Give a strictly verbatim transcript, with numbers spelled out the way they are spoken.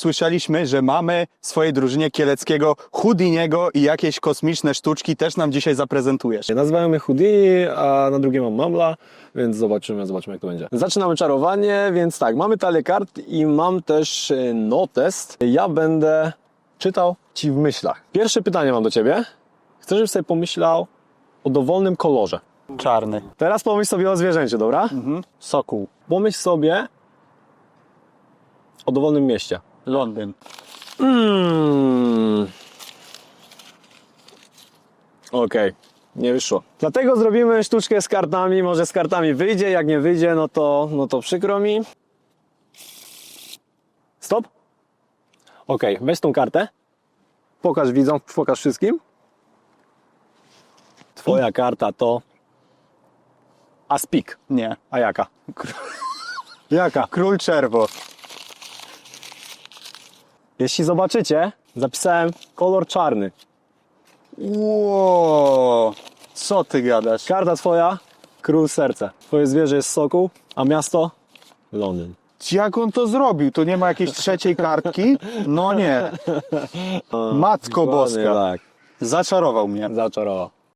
słyszeliśmy, że mamy w swojej drużynie Kieleckiego Houdiniego i jakieś kosmiczne sztuczki też nam dzisiaj zaprezentujesz. Nazywają mnie Houdini, a na drugie mam Mamla, więc zobaczymy, zobaczymy jak to będzie. Zaczynamy czarowanie, więc tak, mamy talię kart i mam też notest. Ja będę czytał Ci w myślach. Pierwsze pytanie mam do Ciebie. Chcę, żebyś sobie pomyślał o dowolnym kolorze. Czarny. Teraz pomyśl sobie o zwierzęciu, dobra? Mhm. Sokół. Pomyśl sobie o dowolnym mieście. Londyn. Mm. Okej, okay. Nie wyszło. Dlatego zrobimy sztuczkę z kartami. Może z kartami wyjdzie, jak nie wyjdzie, no to, no to przykro mi. Stop. Okej, okay. Weź tą kartę. Pokaż widzom, pokaż wszystkim. Twoja karta to Aspik. Nie. A jaka? Jaka? Król czerwo. Jeśli zobaczycie, zapisałem kolor czarny. Ło, co ty gadasz? Karta twoja, król serce. Twoje zwierzę jest sokół, a miasto Londyn. Jak on to zrobił? To nie ma jakiejś trzeciej kartki? No nie. Matko Dokładnie Boska. tak. Zaczarował mnie. Zaczarował.